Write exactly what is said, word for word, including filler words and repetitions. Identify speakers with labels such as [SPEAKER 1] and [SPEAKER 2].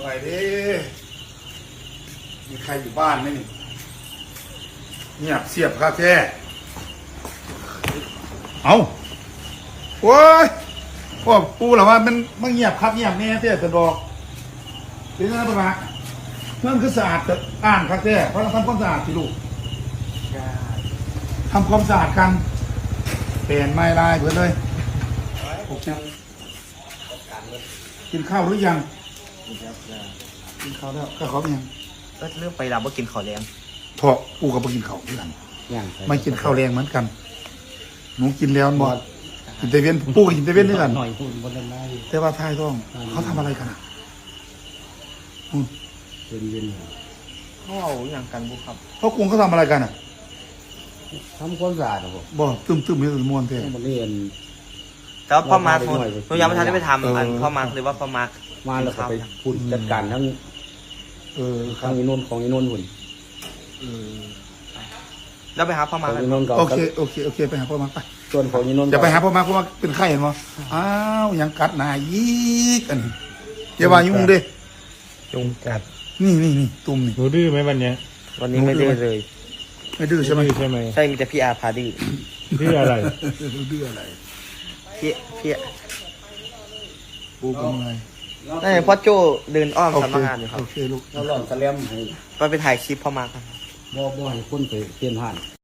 [SPEAKER 1] มื่อยดิมีใครอยู่บ้านไหมนี่เงียบเสียบคาแค่เอาโอ้ยพวกปูเหรอว่ามันมันเงียบครับเงียบแน่เตี้ยจะบอกเป็นไงบ้างฮะเมื่อคือสะอาดจะอ่านครับแท้เพราะเราทำความสะอาดสิลูกทำความสะอาดกันเปลี่ยนไม้ลายเพื่อนเลยกินข้าวหรือยังกินข้าวแล้วก็ขอยัง
[SPEAKER 2] ก็เรื่องไปรับว่ากินข้าวแรง
[SPEAKER 1] พอปูกับไปกินข้าวด้วยกัน
[SPEAKER 3] ยัง
[SPEAKER 1] ไม่กินข้าวแรงเหมือนกันหนูกินแล้วหมดกินเตเวนปูกับกินเตเวนด้วยกัน
[SPEAKER 3] หน่อยหุ่นบนนั้นได้
[SPEAKER 1] แต่ว่าท้ายต้องเขาทำอะไรกันอ่ะอืม
[SPEAKER 3] เป็นเย็น
[SPEAKER 2] เขาเอาอย่างกันบุครับ
[SPEAKER 1] เขากรุงเขาทำอะไรกันอ่ะ
[SPEAKER 3] ทำความสะอาดครับผม
[SPEAKER 1] บ่ตึมตึมไม่ตึมมวนเท่
[SPEAKER 3] มันเรียน
[SPEAKER 2] แต่ว่าพ่อมาร์ค
[SPEAKER 3] หน่อยๆ
[SPEAKER 2] หนูยังไม่ทันได้ไปทำ
[SPEAKER 1] เอออั
[SPEAKER 2] อันพ่อมาร์คหรือว่าพ่อมาร์ค
[SPEAKER 3] มาแล้วก็ไปพูดจัดการทั้ง
[SPEAKER 1] เออครั
[SPEAKER 3] ทั้
[SPEAKER 1] บ
[SPEAKER 3] งอีนนท์ของอีนนท์หุ่น
[SPEAKER 1] เออ
[SPEAKER 2] แล้วไปหาพ่อ
[SPEAKER 3] ข
[SPEAKER 2] มา
[SPEAKER 3] อ
[SPEAKER 2] ร์
[SPEAKER 3] ง
[SPEAKER 2] ค
[SPEAKER 3] อีนนท์ก็
[SPEAKER 1] โอเคโอเคโอเคไปหาพ่อมาไป
[SPEAKER 3] ส่วนของอีนนท์
[SPEAKER 1] อย่าไปหาพ่อมาเพราะว่าเป็นไข้เห็นมั้อ้าวยังกัดหนายีกอันนี้อย่าว่ายุ่งเด้
[SPEAKER 2] ยุงกัด
[SPEAKER 1] นี่นี่นี่ตุ่มนี่
[SPEAKER 4] หนูดื้อไหมวันเนี้ย
[SPEAKER 2] วันนี้ไม่ได้เลย
[SPEAKER 1] ไม่ดื้อใช่ไหม
[SPEAKER 4] ดื้อใช่ไหม
[SPEAKER 2] ใช่มีแต่พี่อาพาดื้อ
[SPEAKER 4] ดื้ออะไร
[SPEAKER 1] ดื้ออะไร
[SPEAKER 2] พี่พี่
[SPEAKER 1] ปูเป็นไง
[SPEAKER 2] นั่นพ่อโจ้เดินอ้อม
[SPEAKER 1] โอ
[SPEAKER 2] สำ
[SPEAKER 1] เค
[SPEAKER 2] นักงานอยู่ครับ
[SPEAKER 1] โอเคลูก
[SPEAKER 3] เราหล่อนสแลมให้
[SPEAKER 2] ไปไปถ่ายคลิปพ่อมาร์คครับ
[SPEAKER 3] บ่บ่ให้คนไปเปลี่ยนผ่าน